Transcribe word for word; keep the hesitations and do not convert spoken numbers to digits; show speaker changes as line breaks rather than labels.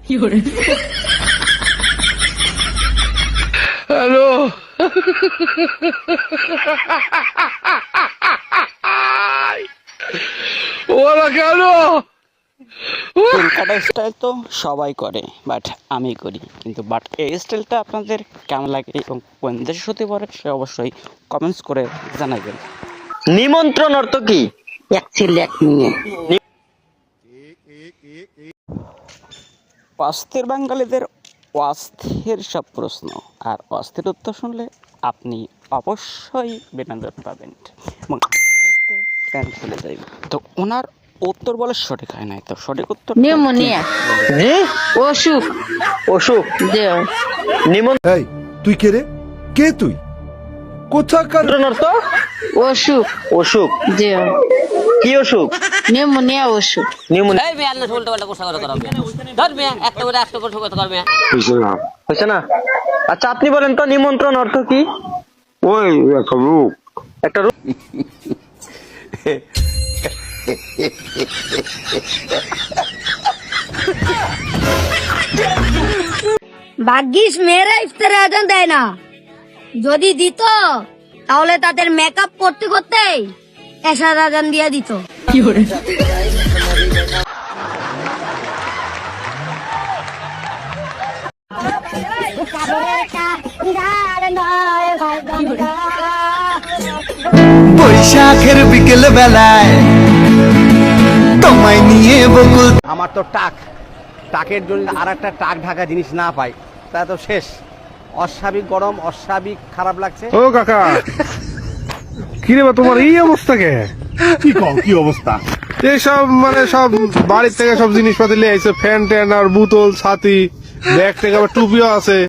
Hello ওরা কেন
চুল কাটা স্টাইল তো সবাই করে, বাট আমি করি কিন্তু বাট এই স্টাইলটা আপনাদের কেমন লাগে এবং কোন দেশে হতে পারে সে অবশ্যই কমেন্টস করে জানাবেন।
নিমন্ত্রণ অর্থ কি? এক ছেলে এক মেয়ে।
অস্থির বাঙালিদের অস্থির সব প্রশ্ন, আর অস্থির উত্তর শুনলে আপনি অবশ্যই বিনোদন পাবেন এবং আস্তে আস্তে প্যান্ট চলে যাবে। তো ওনার উত্তর বলে সঠিক হয় নাই, তো সঠিক উত্তর
নিউমোনিয়া
জি
অসুখ
অসুখ।
দেহ
নিমন্ত্রণ
এই তুই কে রে? কে তুই? কোথাকার?
অর্থ
অসুখ
অসুখ।
দেহ
কি অসুখ?
নিউমোনিয়া অসুখ
নিউমোনিয়া।
এই মেয়ে আল্লাহ উল্টো পাল্টা কথা কথা করবে ধর মেয়ে একটা করে একটা করে কথা করবে
হয়েছে না? আচ্ছা আপনি বলেন তো নিমন্ত্রণ অর্থ কি?
ওই একটা রূপ
একটা রূপ।
ভাগ্যিস মেয়েরা ইফতারে আজান দেয় না, যদি দিত তাহলে তাদের মেকআপ করতে করতে এশার আজান দিয়ে দিত।
বৈশাখের বিকেল বেলায় তোমায় নিয়ে বকুল।
আমার তো টাক টাকের জন্য আর একটা টাক ঢাকা জিনিস না পাই তা তো শেষ। অস্বাভাবিক গরম, অস্বাভাবিক খারাপ লাগছে।
ও কাকা কিরে বা তোমার এই অবস্থা কে?
কি কম কি অবস্থা?
এইসব মানে সব বাড়ির থেকে সব জিনিসপাতি নিয়ে আইছে, ফ্যান ট্যান আর বোতল ছাতি ব্যাগ থেকে আবার টুপিও আছে।